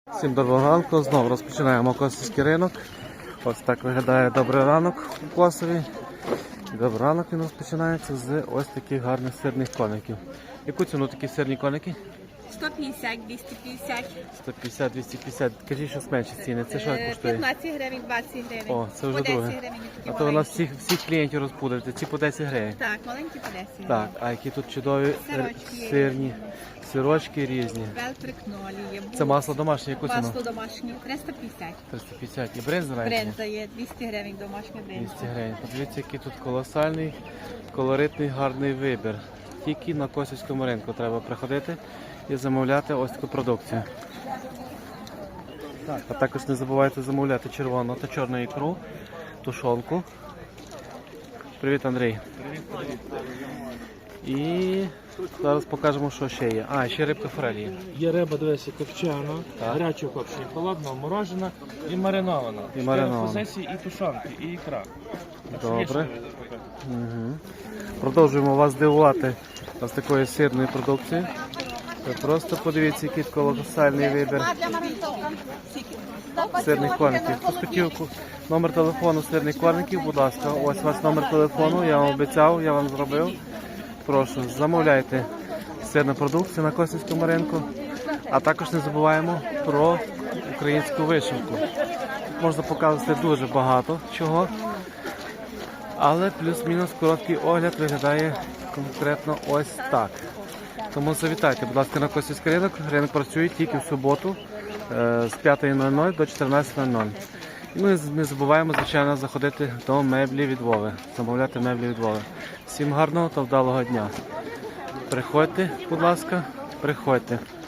Всім доброго ранку, знову розпочинаємо Косівський ринок. Ось так виглядає добрий ранок у Косові. Добрий ранок він розпочинається з ось таких гарних сирних коників. Яку ціну такі сирні коники? 150, 250. 150, 250. Кажіть, що менші ціни. Це що коштує? 15 гривень, 20 гривень. О, це вже по 10 друге. гривень. А то у нас всіх клієнтів розпудрите. Ці по 10 гривень. Так, маленькі по 10 гривень. Так, а які тут чудові Сирочки є сирні, сирочки різні. Велтрик нолі є. Це масло домашнє, яку ціну? Масло домашнє 350. 350. І бринза навіть? є? Бренза є 200 гривень, домашня бренза. 200 гривень. Подивіться, який тут колосальний, колоритний, гарний вибір. Тільки на Косівському ринку треба приходити і замовляти ось таку продукцію. Так, а також не забувайте замовляти червону та чорну ікру, тушонку. Привіт, Андрій. Привіт. І зараз покажемо, що ще є. А, ще рибка форель є. Є риба, дивися, копчена, Так. гарячого копчення, холодного, морожена і маринована. І маринована. Позиції, і тушонки, і ікра. Так що є Добре. що запекати. Угу. Продовжуємо вас здивувати з такою сирною продукцією. Ви просто подивіться, який колосальний вибір сирних корників. Хтось хотів номер телефону сирних корників, будь ласка, ось ваш номер телефону, я вам обіцяв, я вам зробив. Прошу, замовляйте сирну продукцію на Косівському ринку, а також не забуваємо про українську вишивку. Тут можна показувати дуже багато чого, але плюс-мінус короткий огляд виглядає конкретно ось так. Тому завітайте, будь ласка, на Косівський ринок. Ринок працює тільки в суботу з 5:00 до 14:00. І ми не забуваємо, звичайно, заходити до меблі від Вови, замовляти меблі від Вови. Всім гарного та вдалого дня. Приходьте, будь ласка, приходьте.